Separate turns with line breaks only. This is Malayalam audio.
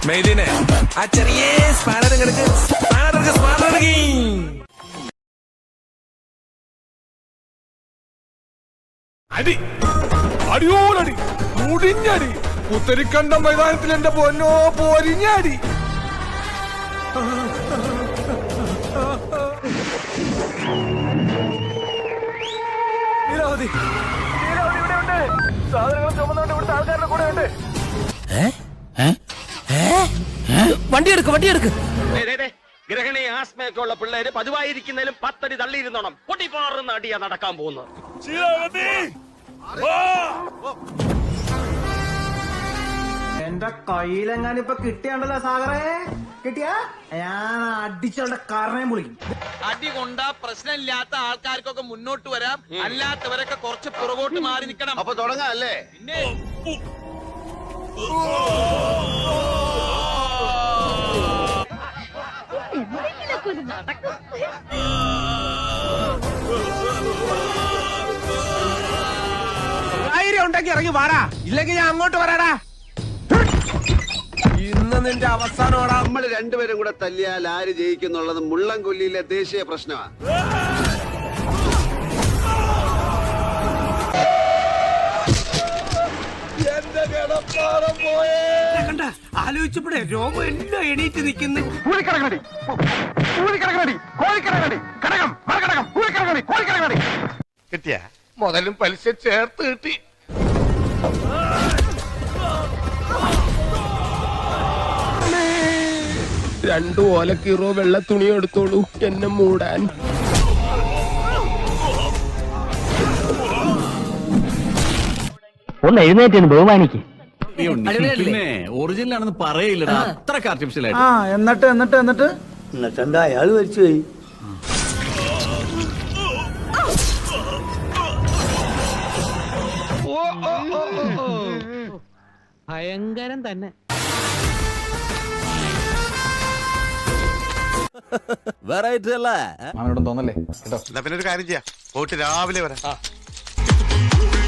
മെയ്ദിനെ ആ ചെറിയ സ്പാനർ
അടി അടിയോടടി മുടിഞ്ഞടി പുത്തരിക്കണ്ട മൈതാനത്തിൽ എന്റെ പൊന്നോ പൊരിഞ്ഞടി. ലീലാവതി ഇവിടെ ഉണ്ട്. സാധനങ്ങൾ ചുമന്നുകൊണ്ട് ഇവിടുത്തെ ആൾക്കാരുടെ കൂടെ ഉണ്ട്.
വണ്ടി എടുക്ക്.
ഗ്രഹണി ആസ്മയൊക്കെ ഉള്ള പിള്ളേര് പതിവായിരിക്കുന്നതിലും 10 അടി തള്ളിയിരുന്നോണം. പൊട്ടിപ്പാറുന്ന അടിയാ നടക്കാൻ പോകുന്നത്.
എന്റെ കയ്യിലെങ്ങാനും ഇപ്പൊ കിട്ടിയാണ്ടല്ലോ സാഗറേ. കിട്ടിയാ ഞാൻ അടിച്ചവളുടെ കാരണയും വിളിക്കും.
അടി കൊണ്ട പ്രശ്നമില്ലാത്ത ആൾക്കാർക്കൊക്കെ മുന്നോട്ട് വരാം, അല്ലാത്തവരൊക്കെ കുറച്ച് പുറകോട്ട് മാറി നിൽക്കണം.
അപ്പൊ തുടങ്ങാം അല്ലേ?
പിന്നെ
ഉണ്ടെങ്കിൽ ഇറങ്ങി വാടാ, ഇല്ലെങ്കിൽ ഞാൻ അങ്ങോട്ട് വരാടാ. ഇന്ന് നിന്റെ അവസാനോടാ.
നമ്മൾ രണ്ടുപേരും കൂടെ തല്ലിയാൽ ആര് ജയിക്കുന്നുള്ളത് മുള്ളംകൊല്ലിയിലെ ദേശീയ പ്രശ്നമാണ്.
ആലോചിച്ചപ്പോഴേ രോമം എല്ലാം എണീറ്റ് നിൽക്കുന്നു.
കിട്ടിയ മുതലും പലിശ ചേർത്ത് കിട്ടി.
രണ്ടു ഓലക്കീറോ വെള്ള തുണി എടുത്തോളൂ എന്നെ മൂടാൻ.
ഒന്ന് എഴുന്നേറ്റ് ബഹുമാനിക്ക്.
പിന്നെ ഒറിജിനൽ ആണെന്ന് പറയില്ലടാ, അത്രക്ക് ആർട്ടിഫിഷ്യൽ ആയിട്ട്.
എന്നിട്ട് എന്താ അയാൾ മരിച്ചു പോയി.
ഭയങ്കരം തന്നെ.
വെറൈറ്റി അല്ലേ
അവനോടും തോന്നല്ലേ കേട്ടോ.
പിന്നെ ഒരു കാര്യം ചെയ്യാം, പോയിട്ട് രാവിലെ വരാം.